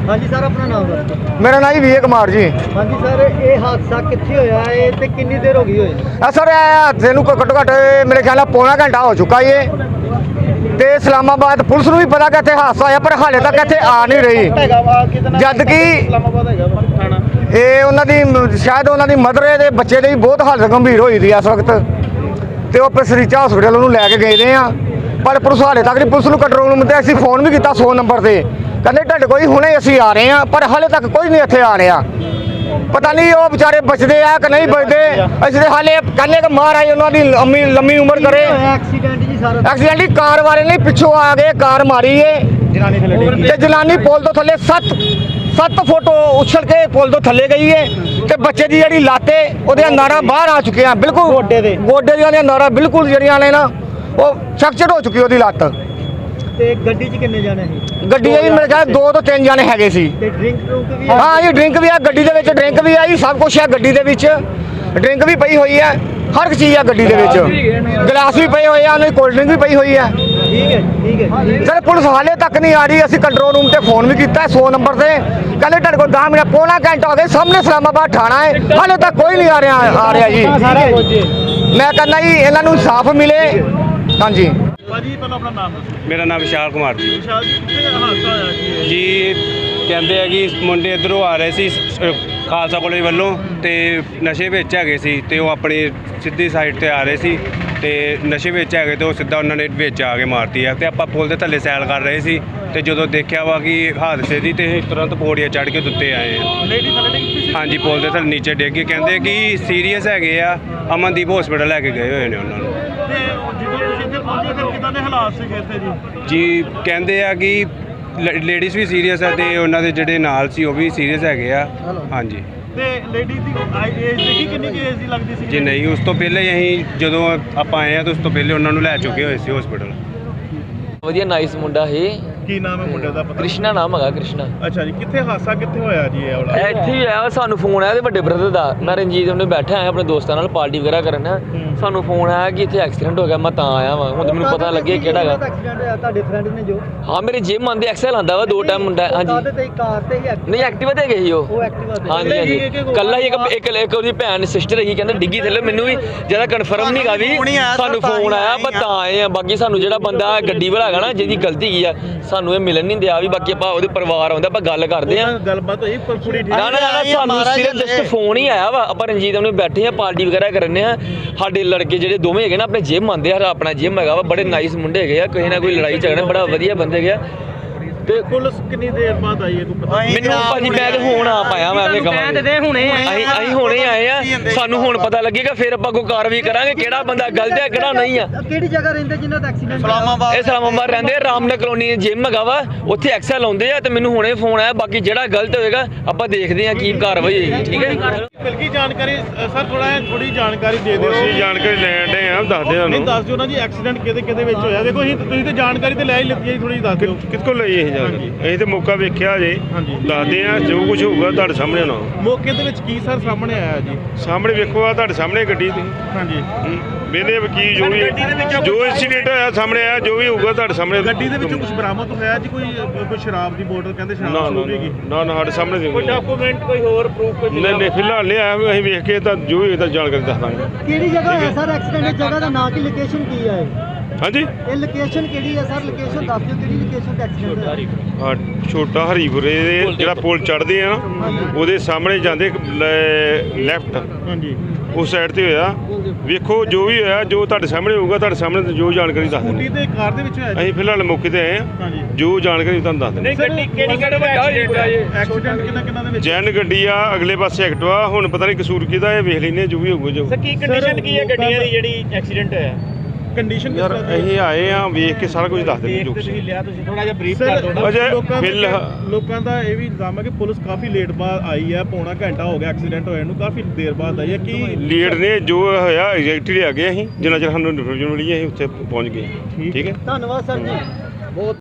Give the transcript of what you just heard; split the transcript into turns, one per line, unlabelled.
हाँ जी सर, अपना नाम दसो।
मेरा नाम जी विजय कुमार जी।
हाँ जी सर, ये हादसा कित्थे होया है ते कितनी देर हो गई होए?
सर हादसे नूं घट्टो घट्ट मेरे ख्याल नाल पौना घंटा हो चुका है ते इस्लामाबाद पुलिस नूं भी पता कि इत्थे हादसा होया, पर हाले तक इत्थे आ नहीं रही। जद कि ये उन्हां दी शायद उन्हां दी मदर दे बच्चे दी बहुत हालत गंभीर होई दी इस वक्त ते ओह सरीचा हॉस्पिटल ਉਹਨੂੰ ਲੈ ਕੇ ਗਏ ਨੇ ਆ, पर पुलिस हाले तक नहीं। पुलिस ਨੂੰ कंट्रोल रूम ते ਅਸੀਂ फोन भी किया 100 नंबर से, कहते ਤੁਹਾਡੇ कोई हुणे ਅਸੀਂ आ रहे हैं, पर हाले तक कोई नहीं ਇੱਥੇ आ रहा। पता नहीं वो बेचारे बचते हैं कि नहीं बचते। असं हाले कहने कि महाराज उन्होंने लंबी उम्र करे। एक्सीडेंट ही कार वाले नहीं पिछों आ गए, कार मारी है जनानी पुल तो थले 7 फुट उछल के पुल तो थले गई है ते बच्चे की जी लाते वो नारा बाहर आ चुके हैं, बिल्कुल गोडे दी नारा बिल्कुल जड़ियां ने ना वो फ्रैक्चर हो चुकी है लात।
गड्डी च किन्ने जाने सी?
गड्डी मेरे ख्याल 2 तो 3 जाने हैगे सी। हाँ जी ड्रिंक भी है गड्डी दे विच, ड्रिंक भी है जी, सब कुछ है गड्डी दे विच, ड्रिंक भी पई हुई है, हर एक चीज़ है गड्डी दे विच, गिलास भी पे हुए हैं, कोल्ड ड्रिंक भी पई हुई है।
ठीक है
सर पुलिस हाले तक नहीं आ रही। असं कंट्रोल रूम से फोन भी किया 100 नंबर से, कहते तेरे को 10 मिनट पौना घंटा हो गया, सामने इस्लामाबाद थाना है, हाले तक कोई नहीं आ रहा जी। मैं कहना जी इन्हों इंसाफ मिले। हाँ जी
मेरा नाम विशाल कुमार जी। जी ਕਹਿੰਦੇ ਆ ਕਿ ਮੁੰਡੇ ਇੱਧਰੋਂ ਆ ਰਹੇ ਸੀ ਖਾਲਸਾ ਕਾਲਜ ਵੱਲੋਂ ਤੇ ਨਸ਼ੇ ਵਿੱਚ ਹੈਗੇ ਸੀ ਤੇ ਉਹ ਆਪਣੀ ਸਿੱਧੀ ਸਾਈਡ ਤੇ ਆ ਰਹੇ ਸੀ ਤੇ ਨਸ਼ੇ ਵਿੱਚ ਹੈਗੇ ਤੇ ਉਹ ਸਿੱਧਾ ਉਹਨਾਂ ਨੇ ਵਿੱਚ ਆ ਕੇ ਮਾਰਤੀ ਆ ਤੇ ਆਪਾਂ ਪੁਲ ਦੇ ਥੱਲੇ ਸੈਲ ਕਰ ਰਹੇ ਸੀ ਤੇ ਜਦੋਂ ਦੇਖਿਆ ਵਾ ਕਿ ਹਾਦਸੇ ਦੀ ਤੇ ਤੁਰੰਤ ਪੌੜੀਆਂ ਚੜ੍ਹ ਕੇ ਉੱਤੇ ਆਏ ਆ। ਹਾਂਜੀ ਪੁਲ ਦੇ ਥੱਲੇ ਨੀਚੇ ਡਿੱਗ ਕੇ ਕਹਿੰਦੇ ਕਿ ਸੀਰੀਅਸ ਹੈਗੇ ਆ, ਅਮਨਦੀਪ ਹਸਪੀਟਲ ਲੈ ਕੇ ਗਏ ਹੋਏ ਨੇ ਉਹਨਾਂ ਨੂੰ। ਜੀ ਕਹਿੰਦੇ ਆ ਕਿ ਲੇਡੀਜ਼ ਵੀ ਸੀਰੀਅਸ ਹੈ ਤੇ ਉਹਨਾਂ ਦੇ ਜਿਹੜੇ ਨਾਲ ਸੀ ਉਹ ਵੀ ਸੀਰੀਅਸ ਹੈਗੇ ਆ। ਹਾਂਜੀ
ਤੇ ਲੇਡੀਜ਼ ਦੀ ਏਜ ਦੇਖੀ ਕਿੰਨੀ ਕੀ ਏਜ ਦੀ ਲੱਗਦੀ ਸੀ?
ਜੀ ਨਹੀਂ, ਉਸ ਤੋਂ ਪਹਿਲੇ ਹੀ ਅਸੀਂ ਜਦੋਂ ਆਪਾਂ ਆਏ ਆ ਤਾਂ ਉਸ ਤੋਂ ਪਹਿਲੇ ਉਹਨਾਂ ਨੂੰ ਲੈ ਚੁੱਕੇ ਹੋਏ ਸੀ ਹਸਪੀਟਲ।
ਵਧੀਆ ਨਾਈਸ ਮੁੰਡਾ ਹੈ।
ਕੀ ਨਾਮ ਹੈ ਮੁੰਡੇ ਦਾ? ਪਤਾ
ਕ੍ਰਿਸ਼ਨਾ ਨਾਮ ਹੈਗਾ, ਕ੍ਰਿਸ਼ਨਾ।
ਅੱਛਾ ਜੀ, ਕਿੱਥੇ ਹਾਦਸਾ ਕਿੱਥੇ ਹੋਇਆ ਜੀ ਇਹ ਵਾਲਾ?
ਇੱਥੇ ਹੀ ਆਇਆ, ਸਾਨੂੰ ਫੋਨ ਆਇਆ ਤੇ ਵੱਡੇ ਬ੍ਰਦਰ ਦਾ। ਮੈਂ ਰਣਜੀਤ ਉਹਨੇ ਬੈਠਾ ਆਇਆ ਆਪਣੇ ਦੋਸਤਾਂ ਨਾਲ ਪਾਰਟੀ ਵਗੈਰਾ ਕਰਨ, ਸਾਨੂੰ ਫੋਨ ਆਇਆ ਕਿ ਇੱਥੇ ਐਕਸੀਡੈਂਟ ਹੋ ਗਿਆ। ਮੈਂ ਤਾਂ ਆਇਆ ਵਾਂ, ਹੁਣ ਮੈਨੂੰ ਪਤਾ ਲੱਗਿਆ ਕਿਹੜਾ ਹੈਗਾ।
ਤੁਹਾਡੇ ਫਰੈਂਡ ਨੇ ਜੋ
ਹਾਂ ਮੇਰੇ ਜਿਮ ਆਂਦੇ ਐਕਸਲ ਆਂਦਾ ਵਾ 2 ਟਾਈਮ ਮੁੰਡਾ। ਹਾਂਜੀ
ਕਾਰ ਤੇ ਹੀ
ਨਹੀਂ ਐਕਟਿਵਾ ਤੇ ਗਏ ਸੀ ਉਹ।
ਐਕਟਿਵਾ ਤੇ
ਹਾਂਜੀ ਹਾਂਜੀ ਕੱਲਾ ਹੀ ਇੱਕ ਉਹਦੀ ਭੈਣ ਸਿਸਟਰ ਹੈਗੀ, ਕਹਿੰਦੇ ਡਿੱਗੀ ਥੱਲੇ। ਮੈਨੂੰ ਵੀ ਜ਼ਿਆਦਾ ਕਨਫਰਮ ਨਹੀਂ ਗਾ ਵੀ ਸਾਨੂੰ ਫੋਨ ਆਇਆ, ਪਰ ਤਾਂ ਆਏ ਆ। ਬਾਕੀ ਸਾਨੂੰ ਜਿਹੜਾ ਬੰਦਾ ਗੱਡੀ ਵਾਲਾ ਹੈਗਾ ਨਾ ਜਿਹਦੀ ਗਲਤੀ ਕੀ ਆ, ਸਾਨੂੰ ਇਹ ਮਿਲਣ ਨਹੀਂ ਦਿਆ ਵੀ। ਬਾਕੀ ਆਪਾਂ ਉਹਦੇ ਪਰਿਵਾਰ ਆਉਂਦਾ, ਆਪਾਂ ਗੱਲ ਕਰਦੇ ਆ।
ਗੱਲਬਾਤ ਹੋਈ ਕੁੜੀ
ਨਾ ਸਾਨੂੰ ਸਿਰਫ ਜਸਟ ਫੋਨ ਹੀ ਆਇਆ ਵਾ। ਆਪਾਂ ਰਣਜੀਤ ਉਹਨੇ ਬੈਠੇ ਆ ਪਾਰਟੀ ਵਗੈਰਾ ਕਰਨੇ ਆ। ਸਾਡੇ ਲੜਕੇ ਜਿਹੜੇ ਦੋਵੇਂ ਹੈਗੇ ਨਾ ਆਪਣੇ ਜਿਮ ਆਉਂਦੇ ਆ, ਆਪਣਾ ਜਿਮ ਹੈਗਾ ਵਾ, ਬੜੇ ਨਾਈਸ ਮੁੰਡੇ ਹੈਗੇ ਆ, ਕਿਸੇ ਨਾ ਕੋਈ ਲੜਾਈ ਝਗੜਾ ਬੜਾ ਵਧੀਆ ਬੰਦੇ ਹੈਗੇ ਆ।
ਤੇ ਪੁਲਿਸ ਕਿੰਨੀ ਦੇਰ ਬਾਅਦ ਆਈ ਹੈ ਤੂੰ ਪਤਾ?
ਮੈਨੂੰ ਭਾਜੀ ਮੈਂ ਤੇ ਹੁਣ ਆ ਪਾਇਆ, ਮੈਂ ਆਪਣੇ ਕਹਾਂ ਅਸੀਂ ਹੁਣੇ ਆਏ ਆ। ਸਾਨੂੰ ਹੁਣ ਪਤਾ ਲੱਗੇਗਾ, ਫਿਰ ਆਪਾਂ ਕੋਈ ਕਾਰਵਾਈ ਕਰਾਂਗੇ ਕਿਹੜਾ ਬੰਦਾ ਗਲਤ ਹੈ ਕਿਹੜਾ ਨਹੀਂ ਆ।
ਕਿਹੜੀ ਜਗ੍ਹਾ ਰਹਿੰਦੇ ਜਿਨ੍ਹਾਂ ਦਾ ਐਕਸੀਡੈਂਟ?
ਇਹ ਇਸਲਾਮਾਬਾਦ ਰਹਿੰਦੇ, ਰਾਮਨਗਰ ਕਲੋਨੀ ਜਿਮ ਹੈਗਾ ਵਾ, ਉੱਥੇ ਐਕਸਲ ਲਾਉਂਦੇ ਆ। ਤੇ ਮੈਨੂੰ ਹੁਣੇ ਫੋਨ ਆਇਆ, ਬਾਕੀ ਜਿਹੜਾ ਗਲਤ ਹੋਏਗਾ ਆਪਾਂ ਦੇਖਦੇ ਆ ਕੀ ਕਾਰਵਾਈ ਹੋਏਗੀ। ਠੀਕ ਹੈ
ਮਿਲਕੀ ਜਾਣਕਾਰੀ ਸਰ, ਥੋੜੀ ਜਾਣਕਾਰੀ ਦੇ ਦਿਓ।
ਅਸੀਂ ਜਾਣਕਾਰੀ ਲੈਣ ਦੇ ਆ, ਦੱਸ ਦੇ
ਨਹੀਂ ਦੱਸ ਦਿਓ ਨਾ ਜੀ, ਐਕਸੀਡੈਂਟ ਕਿਹਦੇ ਵਿੱਚ ਹੋਇਆ? ਦੇਖੋ ਤੁਸੀਂ ਤੇ ਜਾਣਕਾਰੀ ਤੇ ਲੈ ਹੀ ਲਿੱਤੀ ਹੈ, ਥੋੜੀ ਦੱਸ ਦਿਓ
ਕਿਸ ਕੋਲ ਲਈ ਇਹ ਜਾਣਕਾਰੀ। ਅਸੀਂ ਤੇ ਮੌਕਾ ਵੇਖਿਆ ਜੇ, ਦੱਸਦੇ ਆ ਜੋ ਕੁਝ ਹੋਊਗਾ ਤੁਹਾਡੇ ਸਾਹਮਣੇ ਹੋਣਾ।
ਮੌਕੇ ਦੇ ਵਿੱਚ ਕੀ ਸਰ ਸਾਹਮਣੇ ਆਇਆ ਜੀ?
ਸਾਹਮਣੇ ਵੇਖੋ ਆ ਤੁਹਾਡੇ ਸਾਹਮਣੇ ਗੱਡੀ ਤੁਸੀਂ।
ਹਾਂਜੀ
ਵੇਲੇ ਵਕੀਲ ਜੋ ਇੰਸੀਡੈਂਟ ਹੋਇਆ ਸਾਹਮਣੇ ਆਇਆ, ਜੋ ਵੀ ਹੋਊਗਾ ਤੁਹਾਡੇ ਸਾਹਮਣੇ।
ਗੱਡੀ ਦੇ ਵਿੱਚੋਂ ਕੁਝ ਬਰਾਮਦ ਹੋਇਆ ਜੀ? ਕੋਈ ਸ਼ਰਾਬ ਦੀ ਬੋਤਲ ਕਹਿੰਦੇ ਸ਼ਰਾਬ ਹੋਵੇਗੀ?
ਨਾ ਸਾਡੇ ਸਾਹਮਣੇ
ਕੋਈ ਡਾਕੂਮੈਂਟ ਕੋਈ ਹੋਰ ਪ੍ਰੂਫ?
ਨਹੀਂ ਫਿਲਹਾਲ ਨਹੀਂ ਆਇਆ, ਅਸੀਂ ਵੇਖ ਕੇ ਤਾਂ ਜੋ ਵੀ ਤਾਂ ਜਾਣਕਾਰੀ ਦੱਸ ਦਾਂਗੇ।
ਕਿਹੜੀ ਜਗ੍ਹਾ ਹੈ ਸਰ ਐਕਸੀਡੈਂਟ? ਜਗ੍ਹਾ ਦਾ ਨਾਂ ਕੀ, ਲੋਕੇਸ਼ਨ ਕੀ ਹੈ?
ਹਾਂਜੀ
ਇਹ ਲੋਕੇਸ਼ਨ ਕਿਹੜੀ ਹੈ ਸਰ? ਲੋਕੇਸ਼ਨ ਦੱਸ ਦਿਓ, ਕਿਹੜੀ ਲੋਕੇਸ਼ਨ ਤੇ ਐਕਸੀਡੈਂਟ ਹੋਇਆ?
ਛੋਟਾ ਹਰੀਪੁਰੇ ਦੇ ਜਿਹੜਾ ਪੁਲ ਚੜ੍ਹਦੇ ਆ ਨਾ, ਉਹਦੇ ਸਾਹਮਣੇ ਜਾਂਦੇ ਲੈਫਟ,
ਹਾਂਜੀ
ਉਸ ਸਾਈਡ ਤੇ ਹੋਇਆ। ਵੇਖੋ ਜੋ ਵੀ ਹੋਇਆ, ਜੋ ਤੁਹਾਡੇ ਸਾਹਮਣੇ ਹੋਊਗਾ, ਤੁਹਾਡੇ ਸਾਹਮਣੇ ਜੋ ਜਾਣਕਾਰੀ ਦੱਸ ਦਿੰਦੇ।
ਤੇ ਕਾਰ ਦੇ ਵਿੱਚ ਹੋਇਆ?
ਅਸੀਂ ਫਿਲਹਾਲ ਮੌਕੇ ਤੇ ਆਏ ਆ, ਜੋ ਜਾਣਕਾਰੀ ਤੁਹਾਨੂੰ ਦੱਸ ਦਿੰਦੇ।
ਐਕਸੀਡੈਂਟ ਕਿੰਨਾ ਦੇ ਵਿੱਚ?
ਜੈਨ ਗੱਡੀ ਆ, ਅਗਲੇ ਪਾਸੇ ਐਕਟਿਵਾ। ਹੁਣ ਪਤਾ ਨਹੀਂ ਕਸੂਰ ਕਿਹਦਾ ਹੈ, ਵੇਖ ਲੈਂਦੇ ਜੋ ਵੀ ਹੋਊਗਾ। ਜੋ
ਕੀ ਕੰਡੀਸ਼ਨ ਕੀ ਹੈ ਗੱਡੀਆਂ ਦੀ ਜਿਹੜੀ ਐਕਸੀਡੈਂਟ ਹੋਇਆ? ਕੰਡੀਸ਼ਨ
ਯਾਰ ਅਸੀਂ ਆਏ ਆ, ਵੇਖ ਕੇ ਸਾਰਾ ਕੁਝ ਦੱਸ ਦਿੰਦੇ ਜੋ
ਤੁਸੀਂ ਲਿਆ। ਤੁਸੀਂ ਥੋੜਾ ਜਿਹਾ ਬਰੀਫ ਕਰ ਦਿਓ। ਲੋਕਾਂ ਦਾ ਇਹ ਵੀ ਇਲਜ਼ਾਮ ਹੈ ਕਿ ਪੁਲਿਸ ਕਾਫੀ ਲੇਟ ਬਾਅਦ ਆਈ ਹੈ, ਪੌਣਾ ਘੰਟਾ ਹੋ ਗਿਆ ਐਕਸੀਡੈਂਟ ਹੋਇਆ ਨੂੰ, ਕਾਫੀ ਦੇਰ ਬਾਅਦ ਆਈ ਹੈ। ਕੀ
ਲੀਡ ਨੇ ਜੋ ਹੋਇਆ ਐਗਜ਼ੈਕਟਲੀ ਆ ਗਏ ਅਸੀਂ, ਜਿੰਨਾ ਚਿਰ ਸਾਨੂੰ ਇਨਫੋਰਮੇਸ਼ਨ ਮਿਲੀ ਅਸੀਂ ਉੱਥੇ ਪਹੁੰਚ ਗਏ। ਠੀਕ ਹੈ,
ਧੰਨਵਾਦ ਸਰ ਜੀ ਬਹੁਤ।